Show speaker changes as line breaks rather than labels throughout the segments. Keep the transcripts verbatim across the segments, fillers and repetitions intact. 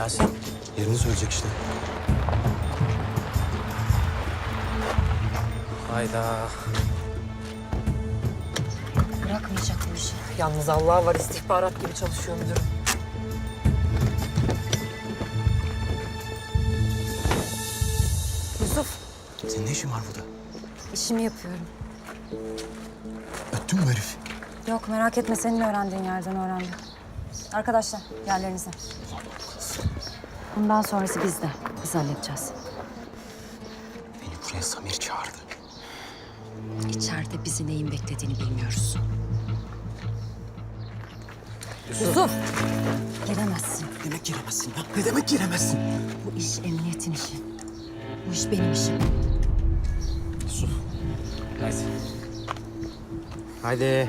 Yasin yerini söyleyecek işte. Hayda.
Bırakmayacak bu işi. Yalnız Allah var, istihbarat gibi çalışıyor müdürüm. Yusuf,
Senin ne işin var burada?
işimi yapıyorum.
Öttün mü herif?
Yok merak etme, senin öğrendiğin yerden öğrendim. Arkadaşlar yerlerinize. Bundan sonrası bizde. Biz halledeceğiz.
Beni buraya Samir çağırdı.
İçeride bizi neyin beklediğini bilmiyoruz. Yusuf! Giremezsin.
Ne demek giremezsin ya? Ne demek giremezsin?
Bu iş emniyetin işi. Bu iş benim işim.
Yusuf. Haydi. Haydi.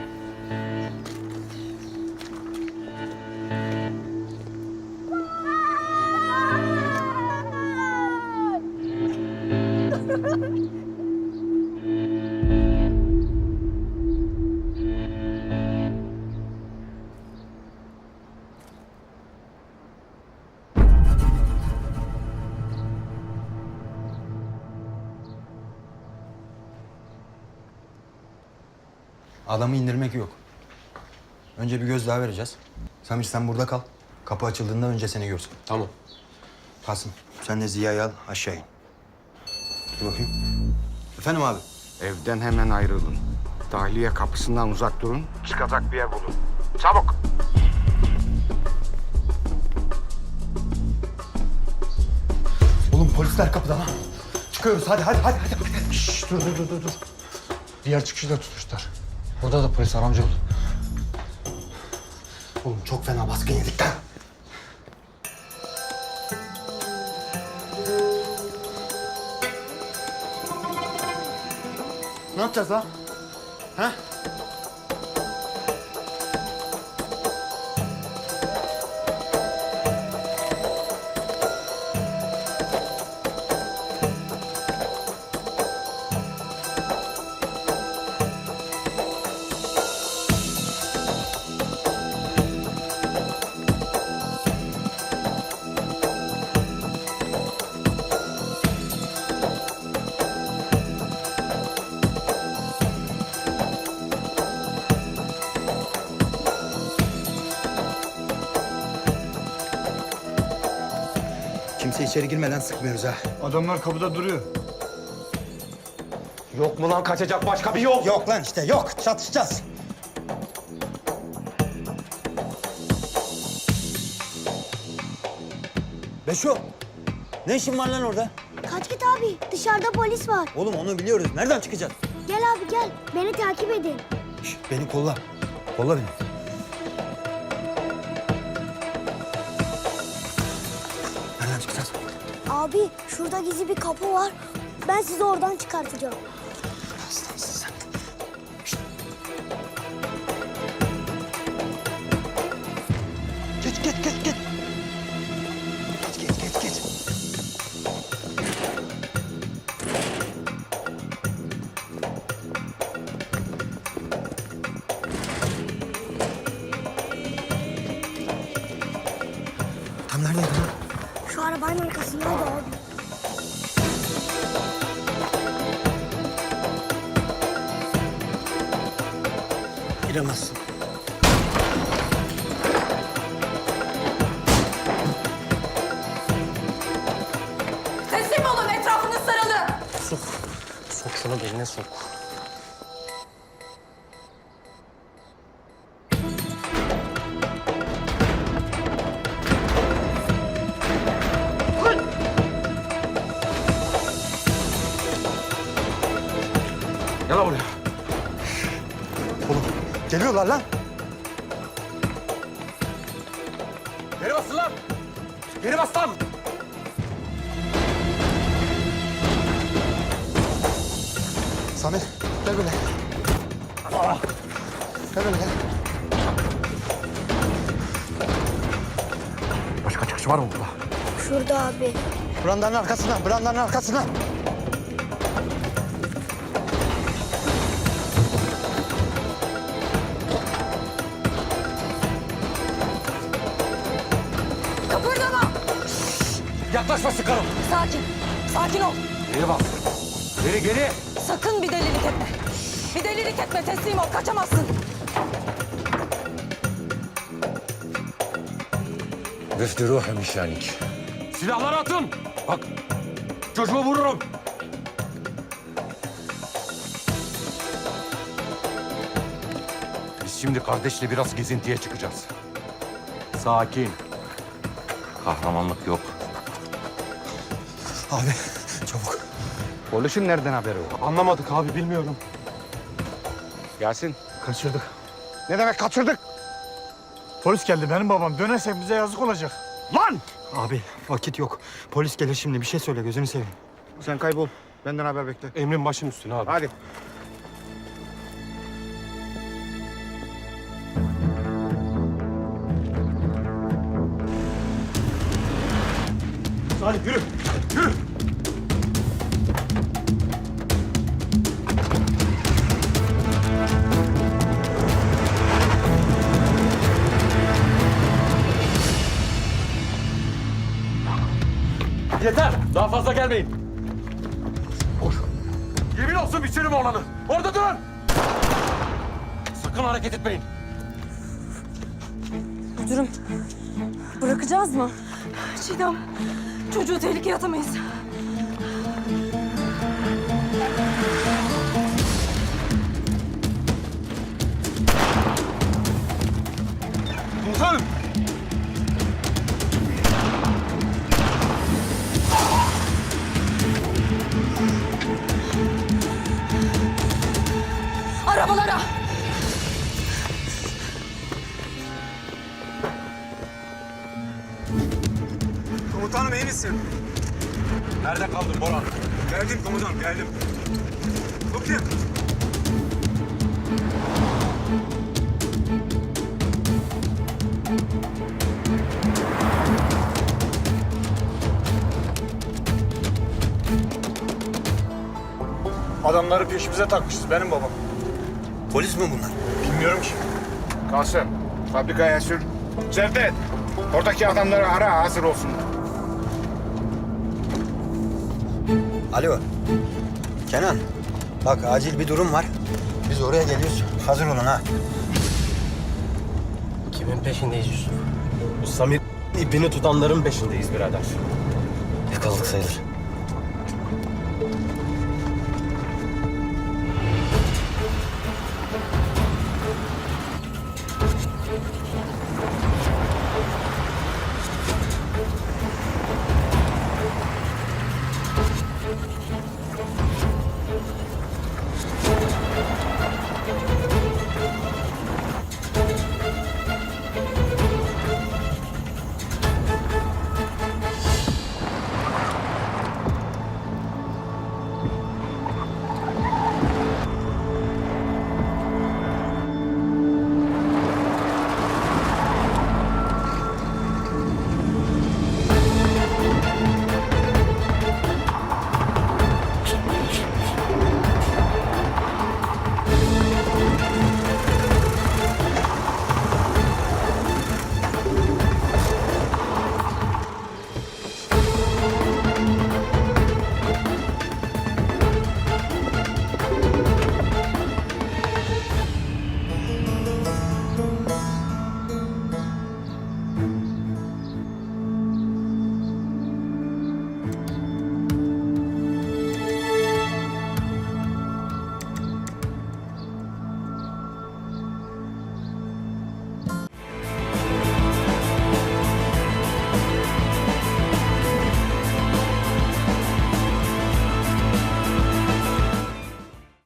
Adamı indirmek yok. Önce bir göz daha vereceğiz. Samir sen burada kal. Kapı açıldığında önce seni görsün.
Tamam.
Kasım sen de Ziya'yı al aşağı in. Dur bakayım. Efendim abi.
Evden hemen ayrılın. Dahiliye kapısından uzak durun. Çıkacak bir yer bulun. Çabuk.
Oğlum polisler kapıda lan. Çıkıyoruz hadi hadi hadi. hadi.
Şşş, dur dur dur dur. dur. Diğer çıkışı da tutmuşlar. Orada da polis var amcaoğlu.
Oğlum çok fena baskın yedik lan. Ne yapacağız lan? Ha? Kimse içeri girmeden sıkmıyoruz ha.
Adamlar kapıda duruyor.
Yok mu lan kaçacak başka bir yol?
Yok lan işte yok. Çatışacağız. Beşo. Ne işin var lan orada?
Kaç git abi. Dışarıda polis var.
Oğlum onu biliyoruz. Nereden çıkacağız?
Gel abi gel. Beni takip edin.
Şişt, beni kolla. Kolla beni. Nereden çıkacağız?
Abi şurada gizli bir kapı var. Ben sizi oradan çıkartacağım.
Aslansın sen. Şişt. Geç geç geç geç. Geç geç geç geç. Tam neredeydi lan?
Şu arabanın arkasındaydı abi.
Giremezsin.
Teslim olun, etrafınız sarılı.
Sok. Sok şunu beline sok.
Gel buraya.
Oğlum geliyorlar lan.
Geri basın lan. Geri bas lan.
Samir gel böyle. Gel böyle gel.
Başka çıkış var mı burada?
Şurada abi.
Brandanın arkasına, brandanın arkasına.
Yaklaşma sıkarım.
Sakin. Sakin ol.
Geri bas. Geri geri.
Sakın bir delilik etme. Bir delilik etme. Teslim ol. Kaçamazsın.
Vefdi ruhum işanik. Silahları atın. Bak çocuğu vururum. Biz şimdi kardeşle biraz gezintiye çıkacağız. Sakin. Kahramanlık yok.
Abi çabuk.
Polisin nereden haberi var?
Anlamadık abi, bilmiyorum.
Yasin.
Kaçırdık.
Ne demek kaçırdık?
Polis geldi, benim babam. Dönersek bize yazık olacak.
Lan!
Abi vakit yok. Polis gelir şimdi. Bir şey söyle gözünü seveyim.
Sen kaybol. Benden haber bekle.
Emrin başın üstüne abi.
Hadi.
Hadi yürü, yürü.
Yeter. Daha fazla gelmeyin. Koş. Yemin olsun biçerim oğlanı. Orada durun. Sakın hareket etmeyin.
Müdürüm. Bırakacağız mı? Çiğdem. Çocuğu tehlikeye atamayız.
Komutanım.
Arabalara.
Komutanım iyi misin? Nerede kaldın Boran? Geldim komutanım geldim. Bu kim?
Adamları peşimize takmışız, benim babam.
Polis mi bunlar?
Bilmiyorum ki.
Kalsın. Fabrikaya sür. Cevdet. Oradaki adamları ara, hazır olsun.
Alo. Kenan. Bak acil bir durum var. Biz oraya geliyoruz. Hazır olun ha.
Kimin peşindeyiz Yusuf? Bu Samir ipini tutanların peşindeyiz birader.
Yakaladık sayılır.